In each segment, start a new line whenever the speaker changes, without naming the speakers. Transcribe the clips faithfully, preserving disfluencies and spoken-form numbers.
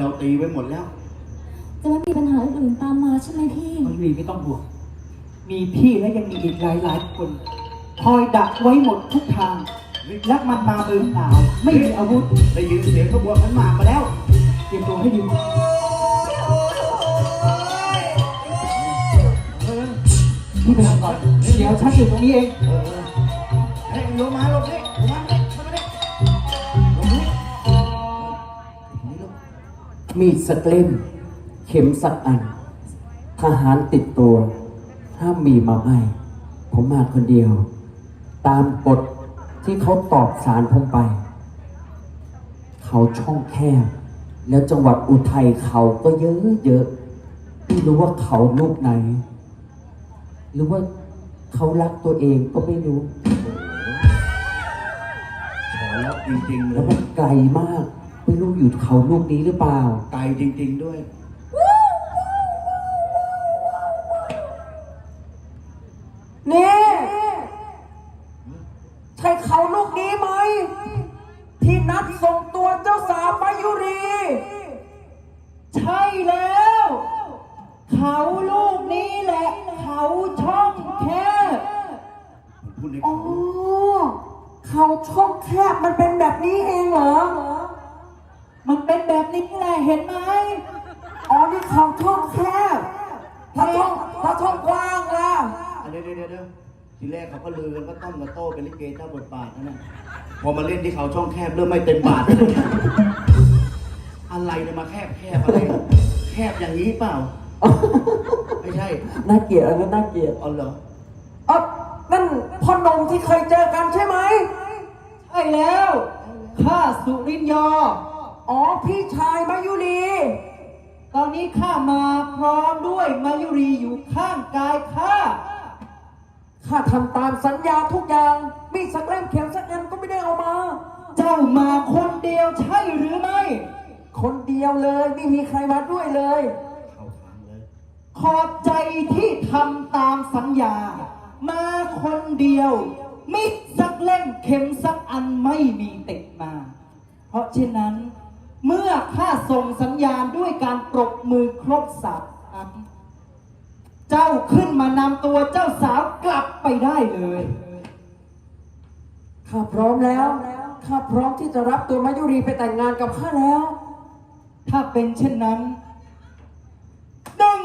เราตีไว้หมดแล้ว
จะไม่มีปัญหาอื่นตามมาใช่ไหมพี่
มายุรีไม่ต้องห่วงมีพี่และยังมีอีกหลายหลายคนคอยดักไว้หมดทุกทางและมันมามือเปล่าไม่มีอาวุธ
ได้ยินเสียงขบวนขันหมากมาแล้ว
เตรียมตัวให้ดีพี่ไปทำก่อนเดี๋ยวฉันอยู่ตรงนี้เอง
เฮ้ยลงมาลงนี่ลงมาเลยลงมาเลยลงนี่
มีดสักเล่มเข็มสักอันทหารติดตัวห้ามมีมาให้ผมมาคนเดียว ตามกฎที่เขาตอบสารผมไป เขาช่องแคบแล้วจังหวัดอุทัยเขาก็เยอะเยอะไม่รู้ว่าเขาลูกไหน หรือว่าเขารักตัวเองก็ไม่รู้
ขอแล้วจริงๆ
แล้วมันไกลมากไม่รู้อยู่เขาลูกนี้หรือเปล่า
ไกลจริงๆด้วย
นี่ใช่เขาลูกนี้ไหมที่นัดส่งตัวเจ้าสาวมายุรี
ใช่แล้วเขาลูกนี้แหละเขาช่องแคบ
อ๋อเขาช่องแคบมันเป็นแบบนี้เองเหรอ
มันเป็นแบบนี้แหละเห็นไหม
อ๋อนี่เขาช่องแคบถ้าช่องถ้าช่องกว้างล่ะ
เดี๋ยวเดี๋ยวเดี๋ยวทีแรกเขาก็ลือกันว่าต้อมกับโต้เป็นลิเกเจ้าบทบาทนะเนี่ยพอมาเล่นที่เขาช่องแคบเริ่มไม่เต็มบาทเลยอะไรเนี่ยมาแคบแคบอะไรแคบอย่างนี้เปล่าไม่ใช่
น่าเกลียดอะไรน่าเกลียด
อ๋อเหรอ
อ๋อนั่นพ่อนมที่เคยเจอกันใช่ไหม
ใช่แล้วข้าสุรินยอ
อ๋อพี่ชายมายุรี
ตอนนี้ข้ามาพร้อมด้วยมายุรีอยู่ข้างกายข้า
ข้าทำตามสัญญาทุกอย่างมีสักเล่มเข็มสักอันก็ไม่ได้เอามา
เจ้ามาคนเดียวใช่หรือไม่
คนเดียวเลยไม่มีใครมาด้วยเลย
เข้าทางเลย
ขอบใจที่ทำตามสัญญามาคนเดียวมิสักเล่มเข็มสักอันไม่มีติดมาเพราะฉะนั้นเมื่อข้าส่งสัญญาณด้วยการปรบมือครบสามครั้งเจ้าขึ้นมานำตัวเจ้าสาวกลับไปได้เลย
ข้าพร้อมแล้วข้าพร้อมที่จะรับตัวมายุรีไปแต่งงานกับข้าแล้ว
ถ้าเป็นเช่นนั้นหนึ่ง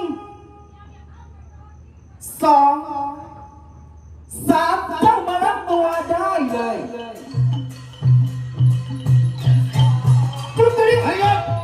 สองสามเจ้ามารับตัวได้เลยจุดนี้ไอ้ยักษ์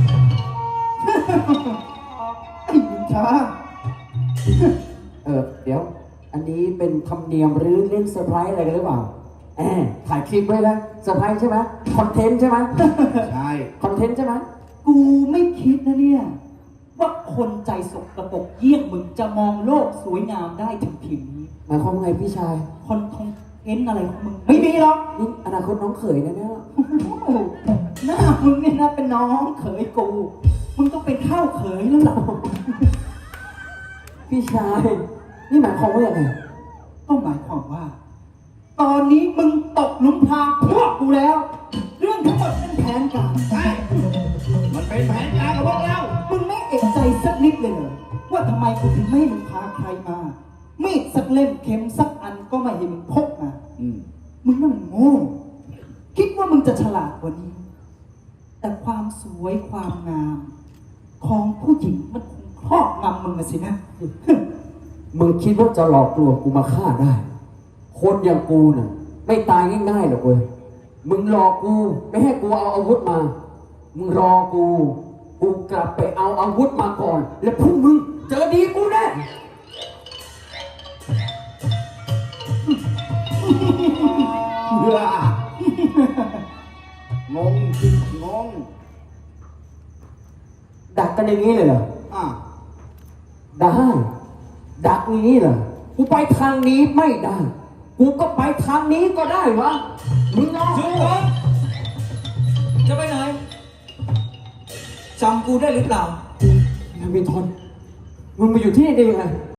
ไอ้ยิงช้า
เออเดี๋ยวอันนี้เป็นธรรมเนียมหรือเล่นเซอร์ไพรส์อะไรกันหรือเปล่าแอมถ่ายคลิปไว้แล้วเซอร์ไพรส์ใช่ไหมคอนเทนต์ใช่ไหม
ใช่
คอนเทนต์ใช่ไหม
กูไม่คิดนะเนี่ยว่าคนใจสกปรกเยี่ยงมึงจะมองโลกสวยงามได้ถึงเพียงนี้
หมายความว่าไงพี่ชาย
คนคอนเทนต์อะไรของมึงไม่มีหรอก
นี่อนาคตน้องเขยนะเนี่ย
หน้ามึงเนี่ยนะเป็นน้องเขยกูมึงต้องเป็นข้าวเขยแล้วหรอ
พี่ชายนี่หมายความว่าอย่างไร
ต้องหมายความว่าตอนนี้มึงตกหลุมพรางพวกกูแล้วเรื่องทั้งหมดเป็นแผนการ
ใช่มันเป็นแผนการของพวกเรา
มึงไม่เอกใจสักนิดเลยว่าทำไมกูถึงไม่ให้มึงพาใครมามีดสักเล่มเข็มสักอันก็ไม่ให้มึงพกมามึงนั่นมันโง่คิดว่ามึงจะฉลาดกว่านี้แต่ความสวยความงามของผู้หญิงมันคงครอบงำมึงสินะ
มึงคิดว่าจะหลอกลวงกูมาฆ่าได้คนอย่างกูน่ะไม่ตายง่ายๆหรอกเว้ยมึงรอกูไม่ให้กูเอาอาวุธมามึงรอกูกูกลับไปเอาอาวุธมาก่อนแล้วพวกมึงเจอดีกูแน่
งงงง
ดักกันอย่างนี้เลยเหรอ
อ่ะ
ได้ดักอย่างนี้เหรอกูไปทางนี้ไม่ได้กูก็ไปทางนี้ก็ได้วะมึงรอ
จูวะจะไปไหนจำกูได้หรือเปล่า
ยังมีทนมึงมาอยู่ที่นี่ได้ยังไง